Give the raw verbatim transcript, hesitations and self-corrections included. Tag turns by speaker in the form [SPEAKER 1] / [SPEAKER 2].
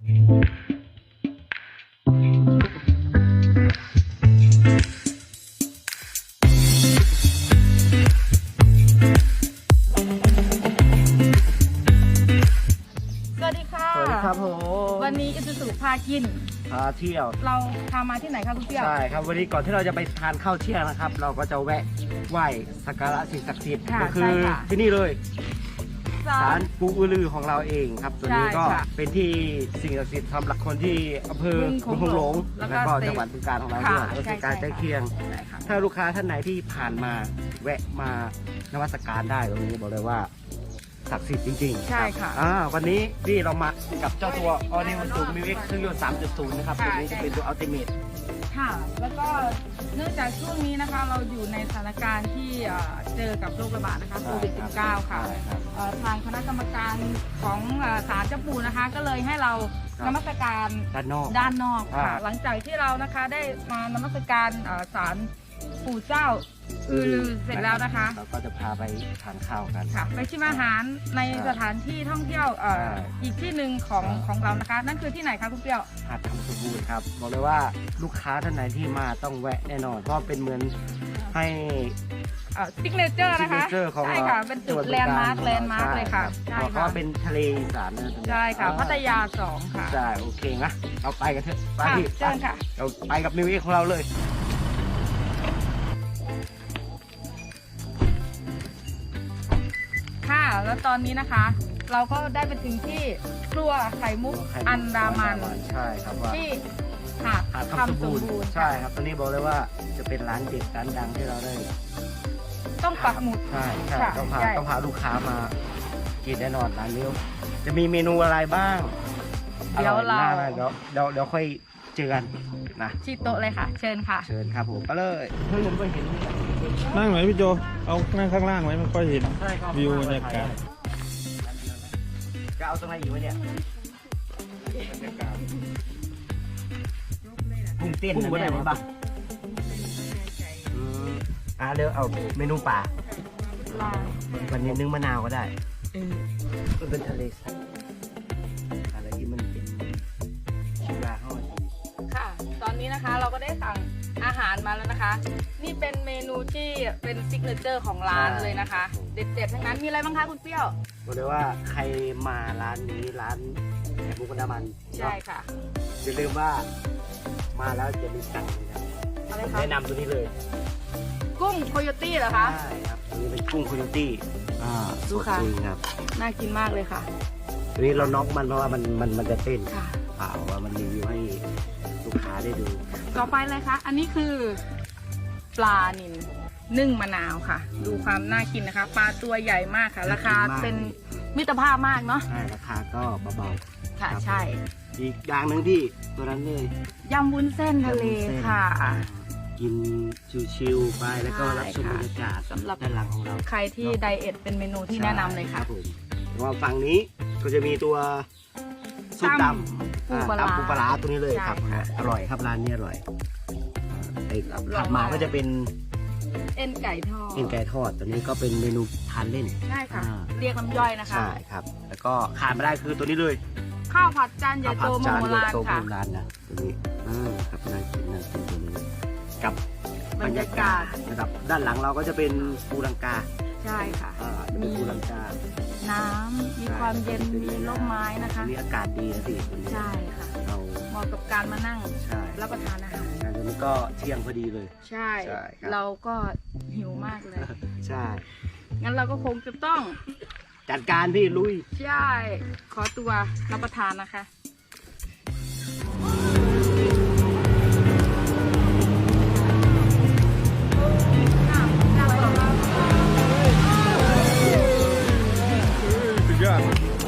[SPEAKER 1] สวัสดีค่ะสวัสดีครับผมวันนี้อิซูซุพากิน
[SPEAKER 2] พาเที่ยว
[SPEAKER 1] เราพามาที่ไหนครับคุณเปี้ยว
[SPEAKER 2] ใช่ครับวันนี้ก่อนที่เราจะไปทานข้าวเที่ยงนะครับเราก็จะแวะไหว้สักการะสิ่งศักดิ์สิทธิ์ก็คือที่นี่เลยศาลปู่อือลือของเราเองครับตัวนี้ก็เป็นที่สิ่งศักดิ์สิทธิ์สำหรับคนที่อำเภอบึงโขงหลงแล้วก็จังหวัดบึงกาฬของเราด้วยก็คือการใกล้เคียงถ้าลูกค้าท่านไหนที่ผ่านมาแวะมานมัสการได้ตรงนี้บอกเลยว่าศักดิ์สิทธิ์จริงๆ
[SPEAKER 1] ใช่ค่ะ
[SPEAKER 2] อ่าวันนี้ที่เรามากับเจ้าตัว All New Suzuki Mix เครื่องยนต์ สามจุดศูนย์ นะครับตัวนี้จะเป็นตัว Ultimate
[SPEAKER 1] ค่ะแล้วก็เนื่องจากช่วงนี้นะคะเราอยู่ในสถานการณ์ที่เจอกับโรคระบาดนะคะโควิด สิบเก้า ค่ะทางคณะกรรมการของศาลเจ้าปู่นะคะก็เลยให้เรานมัสการ
[SPEAKER 2] ด้านนอก
[SPEAKER 1] ด้านนอกค่ะหลังจากที่เรานะคะได้มานมัสการศาลปู่เจ้าอือลือเสร็จแล้วนะคะ
[SPEAKER 2] เราก็จะพาไปทานข้าวกัน
[SPEAKER 1] ค่ะไปชิมอาหารในสถานที่ท่องเที่ยวอีกที่หนึ่งของของเรานะคะนั่นคือที่ไหนคะคุณเปี้ยว
[SPEAKER 2] หาดคำสมบูรณ์ครับบอกเลยว่าลูกค้าท่านไหนที่มาต้องแวะแน่นอนเพราะเป็นเหมือนให้
[SPEAKER 1] ซิกเนเจอร์นะคะใช่ค่ะเป็นจุดแลนด์มาร์คแลนด์มาร์คเลยค่ะ
[SPEAKER 2] ใช่ค่ะเพราะเป็นทะเลอีสานนะ
[SPEAKER 1] ใช่ค่ะพัทยาสองค่ะ
[SPEAKER 2] ใช่โอเคนะเราไปกันเถอะไป
[SPEAKER 1] เชิญค่ะ
[SPEAKER 2] เราไปกับมิวเอ็กของเราเลย
[SPEAKER 1] ค่ะแล้วตอนนี้นะคะเราก็ได้ไปถึงที่ครัวไข่มุกอันดามัน
[SPEAKER 2] ใช่ครับว่า
[SPEAKER 1] ที่หาดคำสมบูรณ์
[SPEAKER 2] ใช่ครับตอนนี้บอกเลยว่าจะเป็นร้านเด็ดร้านดังที่เราได้
[SPEAKER 1] ต้องปักหมุด
[SPEAKER 2] ใช่ใช่ต้องพาต้องพาลูกค้ามากินแน่นอนร้านนี้จะมีเมนูอะไรบ้าง
[SPEAKER 1] เดี๋ยวเรา
[SPEAKER 2] เดี๋ยวเดี๋ยวเดี๋ยวค่อยเจอกันนะ
[SPEAKER 1] ที่โต๊ะเลยค่ะเชิญค่ะ
[SPEAKER 2] เชิญครับผมไปเลยเพิ่งผมก็เห็น
[SPEAKER 3] นั่งไหนพี่โจเอานั่งข้างล่างไว้มันค่อยเห็นวิวบรรยากาศ
[SPEAKER 2] จะเอาตรงไหนอยู่เนี่ยกุ้งเต้นกุ้งอะไรบ้างอ่าเดี๋ยวเอาเมนูป่าวันนี้นึ่งมะนาวก็ได้มันเป็นทะเลอะไรที่มันเป็นชิบาห้อย
[SPEAKER 1] ค่ะตอนนี้นะคะเราก็ได้สั่งอาหารมาแล้วนะคะนี่เป็นเมนูที่เป็นซิกเนเจอร์ของร้านเลยนะคะเด็ดๆทั้งนั้นมีอะไรบ้างคะคุณเปี้ยว
[SPEAKER 2] บอกเลยว่าใครมาร้านนี้ร้านแหนมมุกอันดามัน
[SPEAKER 1] ใช่ค่ะ
[SPEAKER 2] อย่าลืมว่ามาแล้วจะมีสั่งนะแนะนำตัวนี้เลย
[SPEAKER 1] กุ้งโคโยตี้เหรอคะ
[SPEAKER 2] ใช่ครับตัวนี้เป็นกุ้งโคโยตี้อ่า
[SPEAKER 1] ดูค่ะ
[SPEAKER 2] ครับ
[SPEAKER 1] น่ากินมากเลยค่ะ
[SPEAKER 2] ตัวนี้เราน็อกมันเพราะว่ามันมันมันจะเต้น
[SPEAKER 1] ค่ะ
[SPEAKER 2] เปล่าว่ามันรีวิวให้ลูกค้าได้ดู
[SPEAKER 1] ต่อไปเลยคะอันนี้คือปลานิลนึ่งมะนาวค่ะดูความน่ากินนะคะปลาตัวใหญ่มากค่ะราคาเป็นมิตรภาพมากเนาะ
[SPEAKER 2] ใช่ราคาก็เบาๆ
[SPEAKER 1] ค่ะใช่
[SPEAKER 2] อีกอย่างหนึ่งที่ตัวนั้นเลย
[SPEAKER 1] ยำวุ้นเส้นทะเลค่ะ
[SPEAKER 2] กินชิวๆไปแล้วก็รับชมบรรยากาศ
[SPEAKER 1] สำหรับ
[SPEAKER 2] ด้านหลังของเรา
[SPEAKER 1] ใครที่ไดเอทเป็นเมนูที่แนะนำเลยค่ะ
[SPEAKER 2] ว่าฝั่งนี้ก็จะมีตัวซุปดำ
[SPEAKER 1] ปูปลา
[SPEAKER 2] ปูปลาตัวนี้เลยครับอร่อยครับร้านนี้อร่อยถัดมาก็จะเป็น
[SPEAKER 1] เอ็นไก่ทอด
[SPEAKER 2] เอ็นไก่ทอดตัวนี้ก็เป็นเมนูทานเล่น
[SPEAKER 1] ใช่ค่ะเรียกน้ำย่อยนะคะ
[SPEAKER 2] ใช่ครับแล้วก็ขาดไม่ได้คือตัวนี้เลย
[SPEAKER 1] ข้าวผัดจานใหญ่โตโมโหรานค่ะ
[SPEAKER 2] ร้านนะตัวนี้อ่าครับน่ากินน่ากินตัวนี้กับบรรยากาศนะครับด้านหลังเราก็จะเป็นปูลังกา
[SPEAKER 1] ใช่ค่ะ
[SPEAKER 2] มีปูลังกา
[SPEAKER 1] น้ำมีความเย็นมีร่มไม้นะคะ
[SPEAKER 2] มีอากาศดีนะสิ
[SPEAKER 1] ใช่ค่ะเราเหมาะกับการมานั่งรับประทานอาหาร
[SPEAKER 2] อันนี้ก็เที่ยงพอดีเลย
[SPEAKER 1] ใช่เราก็หิวมากเลย
[SPEAKER 2] ใช่
[SPEAKER 1] งั้นเราก็คงจะต้อง
[SPEAKER 2] จัดการพี่ลุย
[SPEAKER 1] ใช่ขอตัวรับประทานนะคะ
[SPEAKER 3] สุดยอด